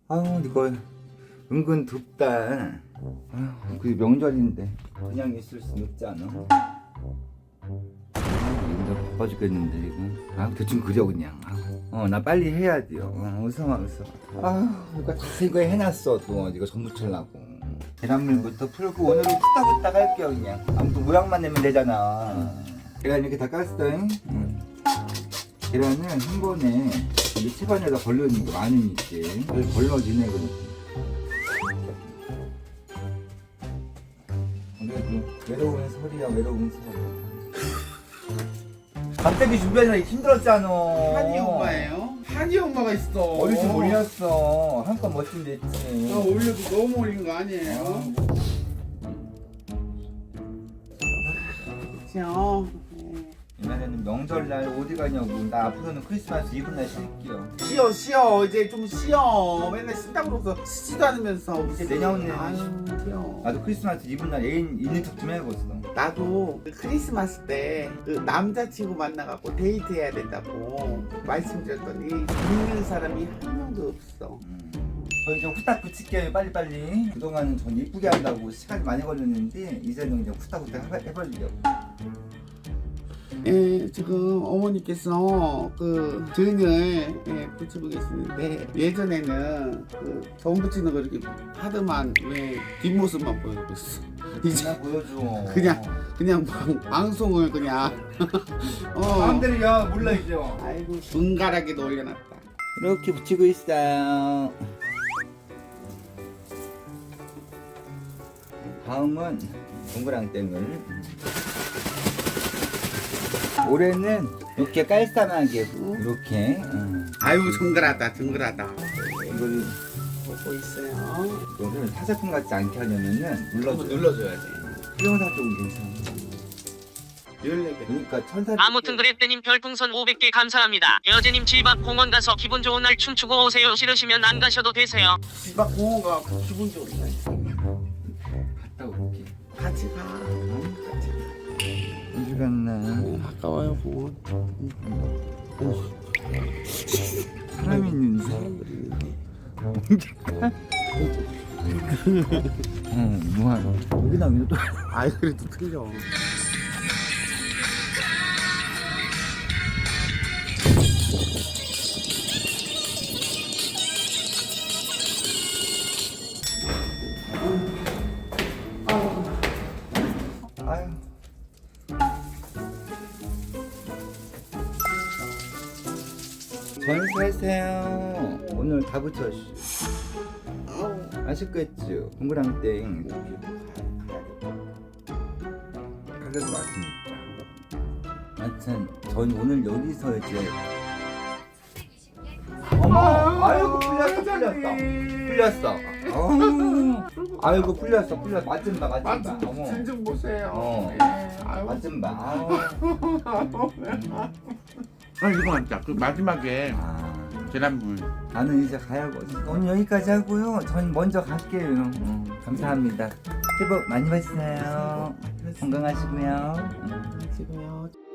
아우 이거 은근 덥다. 아유 그 명절인데 그냥 있을 순 없지 않아. 이거 바빠 죽겠는데 이거. 아 대충 그려 그냥. 나 빨리 해야 돼요. 웃어. 이거 다 이거 해놨어 또 이거 전 부치려고. 계란물부터 풀고 오늘은 후딱후딱 할게요 그냥. 아무튼 모양만 내면 되잖아. 계란 이렇게 다 깠어. 계란을 한 번에 이 채반에다 걸러놓는 거 많으니까 걸러지네 그러고. 그래도 외로운 설이야 외로운 설. 갑자기 준비하느라 힘들었잖아. 한이 엄마예요? 한이 엄마가 있어. 어릴 줄 몰랐어. 한껏 멋진 데 있지. 나 올려도 너무 올린 거 아니에요? 그쵸? 이날에는 명절날 어디 가냐고. 나 앞으로는 크리스마스 이브 날 쉴게요. 쉬어 이제 좀 쉬어. 맨날 쉰다고 그러서 쉬지도 않으면서 이제 내년에 아유 쉬어. 나도 크리스마스 이브 날 애인 있는 척 좀 해보겠어. 나도 그 크리스마스 때 그 남자친구 만나갖고 데이트해야 된다고 말씀드렸더니 믿는 사람이 한 명도 없어. 저희 좀 후딱 붙일게요 빨리빨리. 그동안은 전 이쁘게 한다고 시간이 많이 걸렸는데 이제는 그냥 후딱후딱 해버리려고. 예, 지금 어머니께서 그 등을 붙이고 계시는데 예전에는 그 전 붙이는 거 이렇게 하더만 왜 뒷모습만 보여주고 있어. 이제 그냥 보여줘. 그냥 방송을 그냥 마음대로 야 몰라야죠. 아이고 눈가락에도 올려놨다. 이렇게 붙이고 있어요. 다음은 동그랑땡을 올해는 이렇게 깔쌈하게 이렇게 아이고 정글하다 이거를 보고 있어요. 이거를 사제품 같지 않게 하려면은 눌러줘야지. 수영사 쪽은 괜찮아. 14개. 그러니까 천사. 아무튼 그랬대님 별풍선 500개 감사합니다. 여제님 집 앞 공원 가서 기분 좋은 날 춤추고 오세요. 싫으시면 안 가셔도 되세요. 집 앞 공원 가 기분 좋은데. 갔다 올게. 같이 가. 어디 갔나? 아까워요 공원. 사람 있는데. 사람들이 있는데. 뭐하노? 여기나 여기도 또. 아이 그래도 틀려. 아유. 전사세요. 오늘 다 붙였어. 아쉽겠죠? 동그랑땡 가격도 맞습니다. 하여튼 전 오늘 여기서 이제 어머 아이고 풀렸어. 아이고 풀렸어 맛좀 봐. 어머 진좀 보세요. 맛좀 봐. 이거 맞다. 그 마지막에 계란물. 나는 이제 가야겠어. 오늘 여기까지 하고요. 전 먼저 갈게요. 감사합니다. 새해 복 많이 받으세요. 건강하시고요. 지금요.